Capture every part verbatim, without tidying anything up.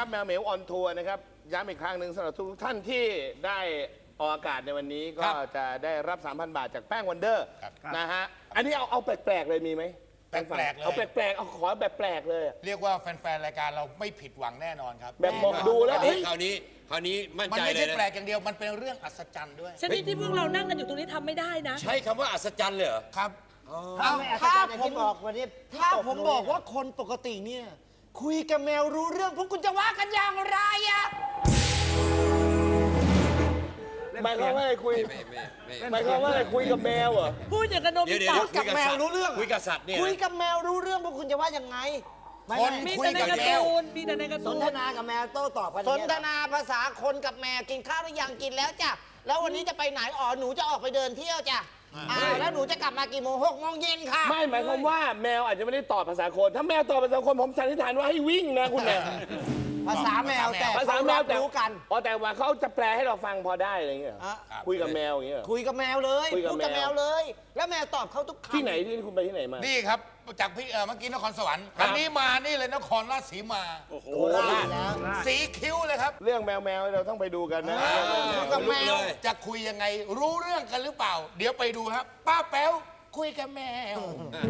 แมวเหมียวออนทัวร์นะครับย้ำอีกครั้งหนึ่งสำหรับทุกท่านที่ได้ออกอากาศในวันนี้ก็จะได้รับ สามพัน บาทจากแป้งวันเดอร์นะฮะอันนี้เอาเอาแปลกๆเลยมีไหมแปลกๆเลยเอาแปลกๆเอาขอแบบแปลกเลยเรียกว่าแฟนๆรายการเราไม่ผิดหวังแน่นอนครับแบบมองดูแล้วเฮ้ยคราวนี้คราวนี้มั่นใจเลยนะมันไม่ใช่แปลกอย่างเดียวมันเป็นเรื่องอัศจรรย์ด้วยชนิดที่พวกเรานั่งกันอยู่ตรงนี้ทำไม่ได้นะใช้คำว่าอัศจรรย์เลยเหรอครับถ้าถ้าผมบอกวันนี้ถ้าผมบอกว่าคนปกติเนี่ยคุยกับแมวรู้เรื่องพวกคุณจะว่ากันอย่างไรอะหมายความว่าอะไรคุยหมายความว่าอะไรคุยกับแมวเหรอพูดอย่างกับโนบิตะคุยกับแมวรู้เรื่องคุยกับสัตว์เนี่ยคุยกับแมวรู้เรื่องพวกคุณจะว่ายังไงคนมีคุยแต่ในกับการ์แมวตูนมีแต่ในการ์สตูนนทนากับแมวโต้ตอบกันสนทนาภาษาคนกับแมวกินข้าวหรือยังกินแล้วจ้ะแล้ววันนี้จะไปไหนอ๋อหนูจะออกไปเดินเที่ยวจ้ะอ่าแล้วหนูจะกลับมากี่โมงหกโมงเย็นค่ะไม่หมายความว่าแมวอาจจะไม่ได้ตอบภาษาคนถ้าแมวตอบภาษาคนผมสันนิษฐานว่าให้วิ่งนะคุณเนี่ยภาษาแมวแต่ภาษาแมวแต่รู้กันอ๋อแต่ว่าเขาจะแปลให้เราฟังพอได้อะไรเงี้ยคุยกับแมวอย่างเงี้ยคุยกับแมวเลยคุยกับแมวเลย แล้วแมวตอบเขาทุกคำที่ไหนที่คุณไปที่ไหนมานี่ครับจากพี่เมื่อกี้นครสวรรค์อันนี้มานี่เลยนครราชสีมาโอ้โหสีคิ้วเลยครับเรื่องแมวแมวเราต้องไปดูกันนะกับแมวจะคุยยังไงรู้เรื่องกันหรือเปล่าเดี๋ยวไปดูครับป้าแป๊วคุยกับแมว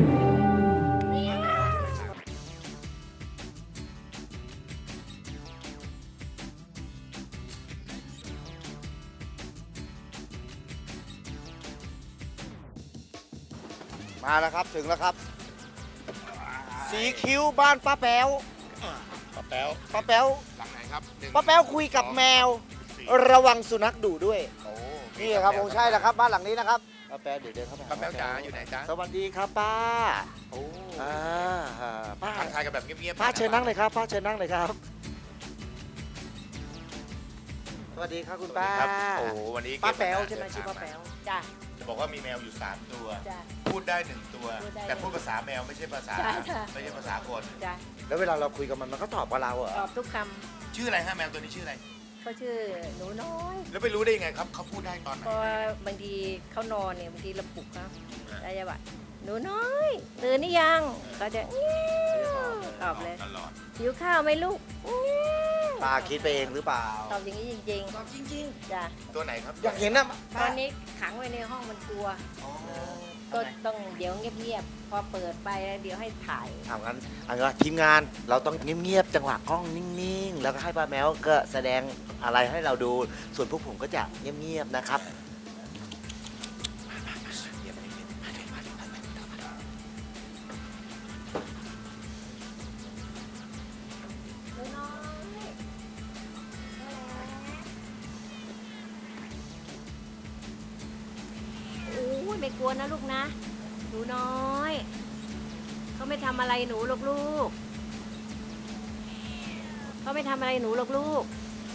มาแล้วครับถึงแล้วครับสีคิ้วบ้านป้าแป๊วป้าแป๊วป้าแป๊วหลังไหนครับป้าแป๊วคุยกับแมวระวังสุนัขดุด้วยนี่ครับผมใช่แล้วครับบ้านหลังนี้นะครับป้าแป๊วเดี๋ยวเดินเข้าไปป้าแป๊วจ๋าอยู่ไหนจ๊ะสวัสดีครับป้าโอ้อ่าป้าทักทายกันแบบเงียบๆป้าเชิญนั่งเลยครับป้าเชิญนั่งเลยครับสวัสดีครับคุณป้าโอ้วันนี้ป้าแป๊วใช่ไหมชื่อป้าแป๊วจ้ะจะบอกว่ามีแมวอยู่สามตัวพูดได้หนึ่งตัวแต่พูดภาษาแมวไม่ใช่ภาษาไม่ใช่ภาษาคนแล้วเวลาเราคุยกับมันมันก็ตอบกับเราเหรอตอบทุกคำชื่ออะไรฮะแมวตัวนี้ชื่ออะไรเขาชื่อหนูน้อยแล้วไปรู้ได้ยังไงครับเขาพูดได้ตอนไหนเพราะบางทีเขานอนเนี่ยบางทีเราปลุกครับได้จะว่าหนูน้อยตื่นหรือยังก็จะตอบเลยหิวข้าวไหมลูกป้าคิดไปเองหรือเปล่าตอบอย่างนี้จริงๆตอบจริงๆจ้ะตัวไหนครับอยากเห็นนะตอนนี้ขังไว้ในห้องมันกลัวก็ต้องเดี๋ยวเงียบๆพอเปิดไปเดี๋ยวให้ถ่ายเอางั้นเอางั้นทีมงานเราต้องเงียบๆจังหวะกล้องนิ่งๆแล้วก็ให้ป้าแมวก็แสดงอะไรให้เราดูส่วนพวกผมก็จะเงียบๆนะครับไม่กลัวนะลูกนะหนูน้อยเขาไม่ทำอะไรหนูหรอกลูกเขาไม่ทำอะไรหนูหรอกลูก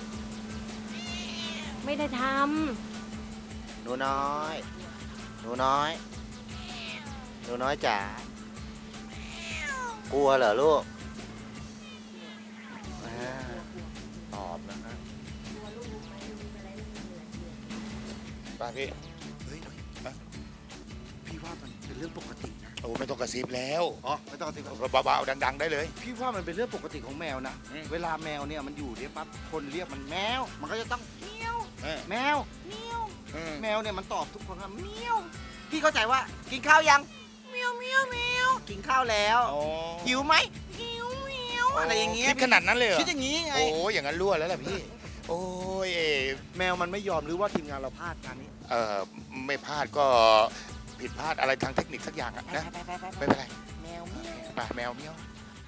ไม่ได้ทำหนูน้อยหนูน้อยหนูน้อยจ๋ากลัวเหรอลูกตอบนะฮะป้าพี่พี่ว่ามันเป็นเรื่องปกตินะโอ้ไม่ต้องกระซิบแล้วอ๋อไม่ต้องกระซิบเบาๆดังๆได้เลยพี่ว่ามันเป็นเรื่องปกติของแมวนะเวลาแมวเนี่ยมันอยู่เนี่ยปั๊บคนเรียกมันแมวมันก็จะต้องเมียวแมวเมียวแมวเนี่ยมันตอบทุกคนว่าเมียวพี่เข้าใจว่ากินข้าวยังเมียวเมียวเมียวกินข้าวแล้วหิวไหมหิวเมียวอะไรอย่างเงี้ยคิดขนาดนั้นเลยเหรอคิดอย่างงี้ไงโอ้อย่างนั้นรั่วแล้วล่ะพี่โอ้ยแมวมันไม่ยอมหรือว่าทีมงานเราพลาดงานนี้เออไม่พลาดก็ผิดพลาดอะไรทางเทคนิคสักอย่างอะนะไม่เป็นไรแมวเมียวป่ะแมวเมียว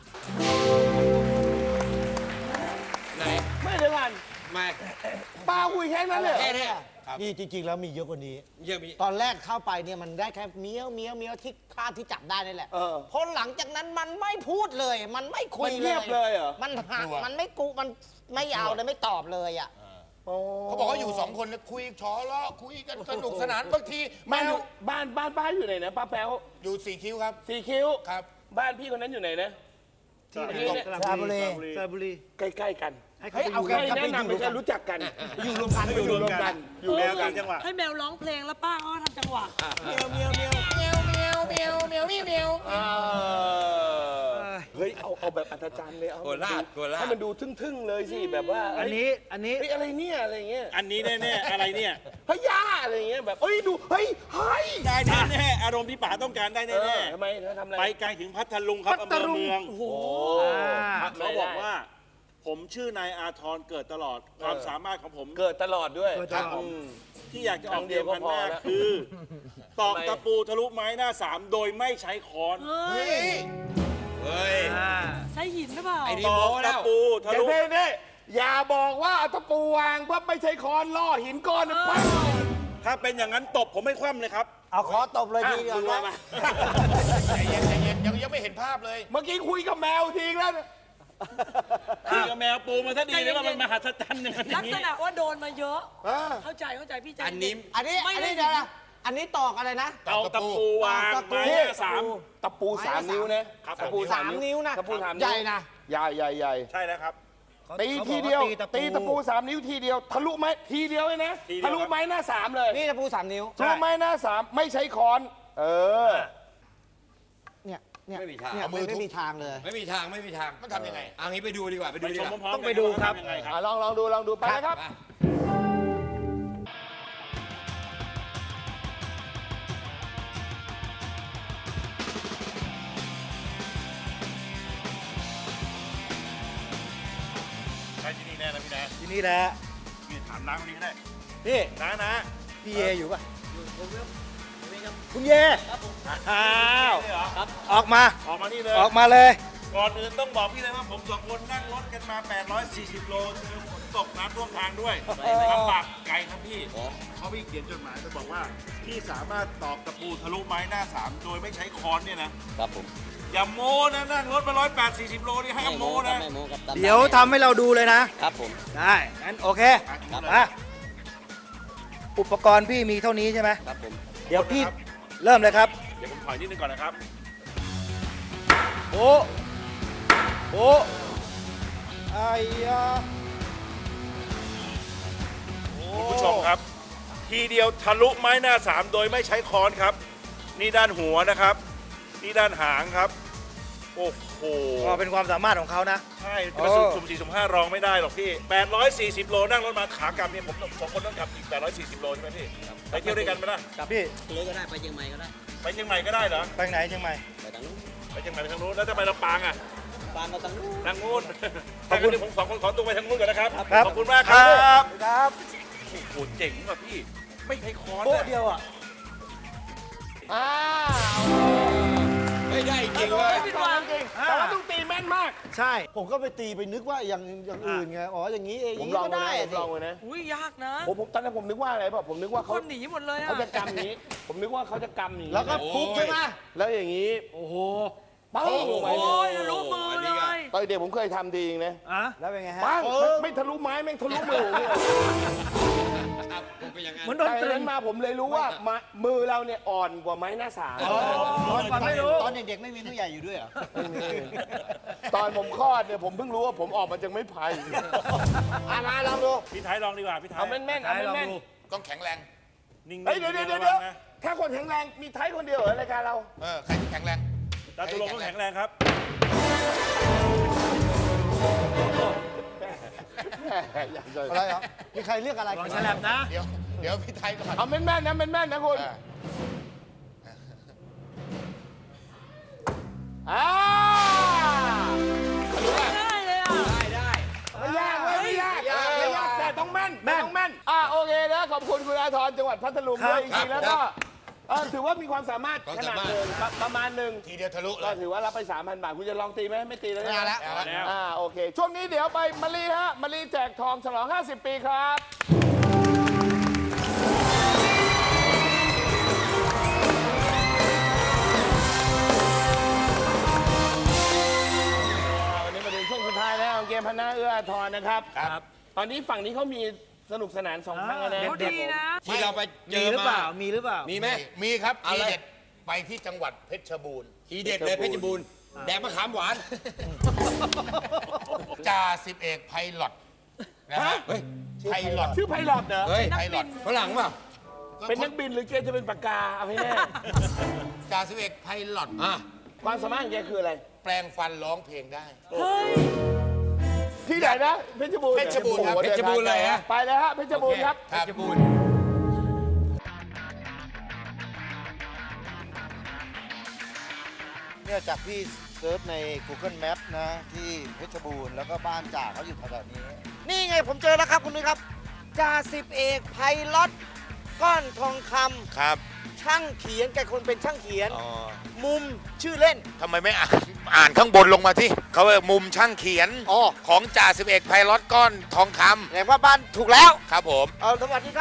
ไหนไม่เดี๋ยวกันไม่ป้าคุยแค่นั้นเลยแค่นี้นี่จริงๆแล้วมีเยอะกว่านี้เยอะมีตอนแรกเข้าไปเนี่ยมันได้แค่เมียวเมียวเมียวที่คาดที่จับได้นี่แหละพอหลังจากนั้นมันไม่พูดเลยมันไม่คุยเลยมันเงียบเลยเหรอมันหักมันไม่กูมันไม่เอาเลยไม่ตอบเลยอ่ะเขาบอกว่าอยู่สองคนคุยชอล้อคุยกันสนุกสนานบางทีบ้านบ้านบ้านป้าอยู่ไหนนะป้าแป๊วอยู่สี่คิ้วครับสี่คิ้วครับบ้านพี่คนนั้นอยู่ไหนนะที่สระบุรีสระบุรีใกล้ๆกันให้เอาใครแนะนำไม่ใช่รู้จักกันอยู่รวมกันอยู่รวมกันอยู่แมวกันจังหวะให้แมวร้องเพลงแล้วป้าก็ทำจังหวะเมียวเมียวเมียวเมียวเมียวเมียวเมียวเมียวเฮ้ยเอาเอาแบบอัศจรรย์เลยเอาโคราชโคราชให้มันดูทึ่งๆเลยสิแบบว่าอันนี้อันนี้เฮ้ยอะไรเนี่ยอะไรเงี้ยอันนี้แน่ๆอะไรเนี่ยพญาอะไรเงี้ยแบบเฮ้ยดูเฮ้ยเฮ้ยได้แน่ๆอารมณ์ที่ป๋าต้องการได้เอแน่อทำไมเธอทำอะไรๆไปไกลถึงพัทลุงครับอำเภอเมืองโอ้โหเขาบอกว่า ผมชื่อนายอาทรเกิดตลอดความสามารถของผมเกิดตลอดด้วยเกิดตลอดอืมที่อยากจะออกครั้งเดีเดียยว วก็พันพอหน้าแล้วคือตอกทำไมตะปูทะลุไม้หน้าสามโดยไม่ใช้ค้อนเฮ้ยเฮ้ยอ่าใช้หินหรือเปล่าไอ้นี่ตอโม้กแล้ตะวปูทะอย่าลุเพ่เน่อย่าบอกว่าเอาตะปูวางเพื่อไม่ใช่ค้อนล่อหินก้อนนะปั้งถ้าเป็นอย่างนั้นตบผมไม่คว่ำเลยครับเอาขอตบเลยทีเดียวมือนะมาใจเย็นใจเย็นยังยังไม่เห็นภาพเลยเมื่อกี้คุยกับแมวทีแล้วนะคุยกับแมวปูมาซะดีเลยว่ามันมหัศจรรย์อย่างนั้นอลัย่าก งษนี้ณะว่าโดนมาเยอะอ่าเข้าใจเข้าใจพี่ใจอันนี้อันนี้ไม่อันได้นี้เดี๋ยวนะอันนี้ตอกอะไรนะเอาตะปูวางตะปูไม้หน้าสามตะปูสามนิ้วนะครับ ตะปูสามนิ้วนะตะปูสามใหญ่นะใหญ่ใหญ่ใหญ่ใช่แล้วครับตีทีเดียวตีตะปูสามนิ้วทีเดียวทะลุไม้ทีเดียวเลยนะทีเดียวทะลุไม้หน้าสามเลยนี่ตะปูสามนิ้วทะลุไม้หน้าสามไม่ใช้ค้อน เออเนี่ยเนี่ยไม่มีทางเนี่ยเอามือทุบไม่มีทางเลยไม่มีทางไม่มีทางมันทำยังไงเอางี้ไปดูดีกว่าไปดูไปดีชกมว่าพร้อมๆต้องไปดูครับกันว่าทำยังไงครับอ่ะลองลองดูลองดูไปนะครับมาใช่ที่นี่แน่นะพี่นะทีนี้แหละพี่ถามน้าคนนี้ก็ได้นี่น้านะพี่เยอยู่ป่ะคุณเยอ้าวนี่เหรอออกมาออกมานี่เลยออกมาเลยก่อนอื่นต้องบอกพี่เลยว่าผมสองคนนั่งรถกันมา แปดร้อยสี่สิบ โลเจอฝนตกน้ำท่วมทางด้วยลำบากไกลครับพี่เขาพี่เขียนจดหมายจะบอกว่าพี่สามารถตอกตะปูทะลุไม้หน้าสามโดยไม่ใช้ค้อนเนี่ยนะครับผมอย่าโม้นะนั่งรถมาร้อยแปดสี่สิบโลนี่ให้โม้นะไม่โม้ครับตามเดี๋ยวทำให้เราดูเลยนะครับผมได้งั้นโอเคครับอ่ะอุปกรณ์พี่มีเท่านี้ใช่ไหมครับผมเดี๋ยวพี่เริ่มเลยครับเดี๋ยวผมถอยนิดนึงก่อนนะครับโอ้โอ้ไอ้ยาคุณผู้ชมครับ ทีเดียวทะลุไม้หน้าสามโดยไม่ใช้ค้อนครับ นี่ด้านหัวนะครับ นี่ด้านหางครับ โอ้โหก็เป็นความสามารถของเขานะใช่จะมาสุ่มสุ่มสี่สุ่มห้ารองไม่ได้หรอกพี่ แปดร้อยสี่สิบ โลนั่งรถมาขากลับเนี่ยผมสองคนต้องกลับอีก แปดร้อยสี่สิบ โลใช่ไหมพี่ไปเที่ยวด้วยกันไหมล่ะพี่เลยก็ได้ไปเชียงใหม่ก็ได้ไปเชียงใหม่ก็ได้เหรอไปไหนเชียงใหม่ไปทางนู้นไปเชียงใหม่ไปทางนู้นแล้วจะไปลำปางอ่ะบางก็ทางนู้นทางนู้นขอบคุณผมสองคนขอตัวไปทางนู้นก่อนนะครับครับขอบคุณมากครับครับโอ้โหเจ๋งว่ะพี่ไม่ใช้ค้อนโป๊ะนะเดียวอ่ะอ้าวไม่ได้จริงเลยจริงแต่ว่าต้องตีแม่นมากใช่ผมก็ไปตีไปนึกว่าอย่างอย่างอื่นไง อ๋อ อย่างนี้เองอผมย่างลนี้องก็เลยได้นะผมลองเลยนะอุ้ยยากนะผมผมตอนนั้นผมนึกว่าอะไรป่ะผมนึกว่าคเขานหนีหมดเลยอะเขาจะกำอย่างนี้ ผมนึกว่าเขาจะกำอย่างนี้แล้วก็ทุบใช่ไหมแล้วอย่างนี้โอ้โหปังลงไปโอ้ยทะลุมือเลยตอนเด็กผมเคยทำดีเองนะอ่ะแล้วเป็นไงฮะปังไม่ทะลุไม้แม่งทะลุมือเนี่ยครับผมเป็นอย่างนั้นเหมือนโดนแต่ตรึนั้งนมาผมเลยรู้ว่ามามือเราเนี่ยอ่อนกว่าไม้หน้าสามตอนก่อนไม่รู้ตอนเด็กๆไม่มีผู้ใหญ่อยู่ด้วยเหรอตอนผมคลอดเนี่ยผมเพิ่งรู้ว่าผมออกมาจากไม้ไผ่อ่ะมาลองดูพี่ไทยลองดีกว่าพี่ไทยเอาแม่นๆเอาแม่นต้องแข็งแรงนิ่งๆๆเฮ้ยเดี๋ยวเดี๋ยวเดี๋ยวระวังนะถ้าคนแข็งแรงมีไทยคนเดียวเหรอรายการเราเออ ใครที่แข็งแรงดาวตุลงต้องแข็งแรงครับอะไรเหรอมีใครเรียกอะไรลองฉลับนะเดี๋ยว เดี๋ยวพี่ไทยก่อนเอาแม่นๆนะแม่นๆนะคุณเอออ่าได้เลยอะได้ได้ไม่ยากเลยไม่ยากไม่ยากแต่ต้องแม่นแม่นต้องแม่นอ่าโอเคนะขอบคุณคุณอาทรจังหวัดพัทลุงครับด้วยจริงๆแล้วก็เออถือว่ามีความสามารถขนาดหนึ่งประประมาณหนึ่งทีเดียวทะลุเลก็ยถือว่ารับไป สามพัน บาท คุณจะลองตีไหมไม่ตีแล้วไม่เอาแล้วนะเอาแล้วอ่าโอเค ช่วงนี้เดี๋ยวไปมะลีฮะมะลีแจกทองฉลอง ห้าสิบ ปีครับวันนี้มาถึงช่วงสุดท้ายแล้วของเกมพนาเอื้ออาทรนะครับครับตอนนี้ฝั่งนี้เขามีสนุกสนานสองครั้งแล้วนะเขาดีนะที่เราไปเจมีอหรือเปมาล่า มีหรือเปล่ามีไหมมีครับเอาทีเลยเด็ดไปที่จังหวัดเพชรบูรณ์ทีเด็ดเลยเพชรบูรณ์แดกมะขามหวานจ่าสิบเอกไพลอตนะฮะเฮ้ยไพลอตชื่อไพลอตเหรอเฮ้ยไพลอตฝรั่งเปล่าเป็นนักบินหรือแกจะเป็นปากกา เอาให้แน่จ่าสิบเอกไพลอตอ่ะความสามารถของแกคืออะไรแปลงฟันร้องเพลงได้เฮ้ยที่ไหนนะเพชรบูรณ์เพชรบูรณ์ครับโอ้โหเพชรบูรณ์เลยฮะไปเลยฮะเพชรบูรณ์ครับเพชรบูรณ์เนี่ยจากพี่เซิร์ชใน Google Map นะ ที่เพชรบูรณ์แล้วก็บ้านจ่าเขาอยู่แถวๆนี้ นี่ไงผมเจอแล้วครับคุณนุ้ยครับจ่าสิบเอกไพลอตก้อนทองคำครับช่างเขียนแกคนเป็นช่างเขียนอ๋อมุมชื่อเล่นทำไมไม่อ่านอ่านข้างบนลงมาที่เขาเรียกมุมช่างเขียนอ๋อของจ่าสิบเอกไพลอตก้อนทองคแสดงว่าบ้านถูกแล้วำครับผมเอาสวัสดีครับ